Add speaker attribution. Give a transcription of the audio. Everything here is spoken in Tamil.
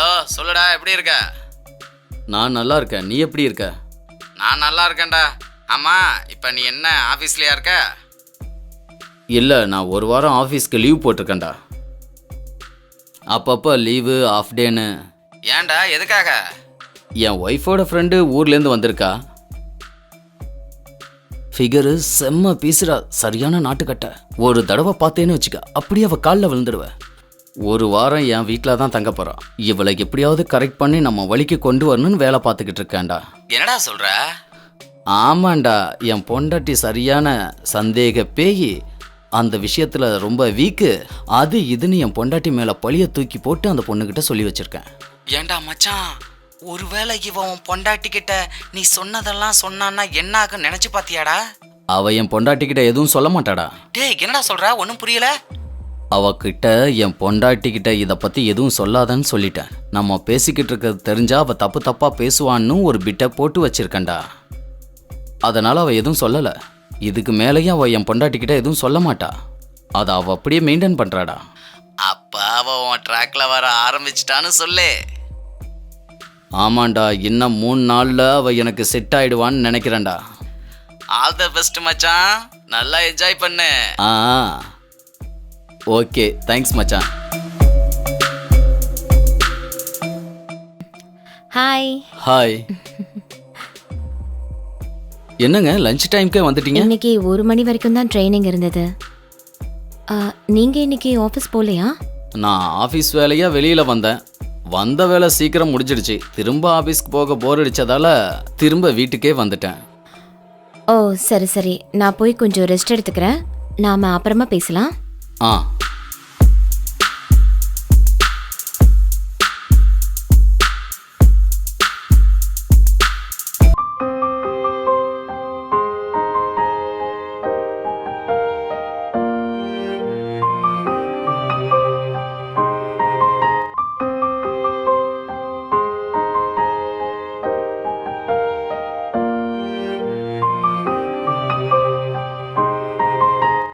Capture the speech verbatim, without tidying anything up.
Speaker 1: ஹலோ, சொல்லுடா, எப்படி இருக்க?
Speaker 2: நான் நல்லா இருக்கேன். நீ எப்படி இருக்க?
Speaker 1: நான் நல்லா இருக்கேன்டா. ஆமாம், இப்போ நீ என்ன ஆஃபீஸ்லையா இருக்க?
Speaker 2: இல்லை, நான் ஒரு வாரம் ஆஃபீஸ்க்கு லீவ் போட்டிருக்கேன்டா. அப்பப்போ லீவு ஆஃப் டேன்னு.
Speaker 1: ஏன்டா, எதுக்காக?
Speaker 2: என் ஒய்ஃபோட ஃப்ரெண்டு ஊர்லேருந்து வந்திருக்கா. ஃபிகரு செம்ம பீசுடா, சரியான நாட்டுக்கட்டை. ஒரு தடவை பார்த்தேன்னு வச்சுக்க, அப்படியே அவள் காலில் விழுந்துடுவேன். ஒரு வாரம் என் வீட்டில் தான் தங்க போகிறான். இவளை எப்படியாவது கரெக்ட் பண்ணி நம்ம வழிக்கு கொண்டு வரணும்னு வேலை பார்த்துக்கிட்டு இருக்கேன்டா.
Speaker 1: என்னடா சொல்கிற?
Speaker 2: ஆமாண்டா, என் பொண்டாட்டி சரியான சந்தேக பேயி. அந்த விஷயத்தில் ரொம்ப வீக்கு. அது இதுன்னு என் பொண்டாட்டி மேலே பழிய தூக்கி போட்டு அந்த பொண்ணுக்கிட்ட சொல்லி வச்சுருக்கேன்.
Speaker 1: ஏன்டா மச்சான், ஒருவேளை இவன் பொண்டாட்டிக்கிட்ட நீ சொன்னதெல்லாம் சொன்னான்னா என்ன ஆகும் நினச்சி பார்த்தியாடா?
Speaker 2: அவள் என் பொண்டாட்டிக்கிட்ட எதுவும் சொல்ல மாட்டாடா.
Speaker 1: டேய், என்னடா சொல்கிற? ஒன்றும் புரியல.
Speaker 2: அவகிட்ட என் பொண்டாட்டிக்கிட்ட இதை பற்றி எதுவும் சொல்லாதன்னு சொல்லிட்டேன். நம்ம பேசிக்கிட்டு இருக்கிறது தெரிஞ்சா அவள் தப்பு தப்பாக பேசுவான்னு ஒரு பிட்டை போட்டு வச்சிருக்கேன்டா. அதனால் அவள் எதுவும் சொல்லலை. இதுக்கு மேலேயும் அவள் என் பொண்டாட்டிக்கிட்ட எதுவும் சொல்ல மாட்டா. அதை அவள் அப்படியே மெயின்டைன் பண்ணுறாடா.
Speaker 1: அப்போ அவன் உன் ட்ராக்ல வர ஆரம்பிச்சிட்டான்னு சொல்லு.
Speaker 2: ஆமாண்டா, இன்னும் மூணு நாளில் அவள் எனக்கு செட் ஆகிடுவான்னு நினைக்கிறேன்டா.
Speaker 1: ஆல் த பெஸ்ட் மச்சான், நல்லா என்ஜாய் பண்ணு.
Speaker 2: ஆ ஓகே, தேங்க்ஸ் மச்சான்.
Speaker 3: ஹாய்.
Speaker 2: ஹாய். என்னங்க லஞ்ச் டைம்க்கே வந்துட்டீங்க?
Speaker 3: இன்னைக்கு ஒரு மணி வரைக்கும் தான் ட்ரைனிங் இருந்தது. ஆ, நீங்க இன்னைக்கு ஆஃபீஸ் போகலையா?
Speaker 2: நான் ஆஃபீஸ் வேலையாக வெளியில் வந்தேன். வந்த வேலை சீக்கிரம் முடிஞ்சிடுச்சு. திரும்ப ஆஃபீஸ்க்கு போக போர் அடித்ததால் திரும்ப வீட்டுக்கே வந்துட்டேன்.
Speaker 3: ஓ சரி சரி, நான் போய் கொஞ்சம் ரெஸ்ட் எடுத்துக்கிறேன். நாம அப்புறமா பேசலாம்.
Speaker 2: ஆ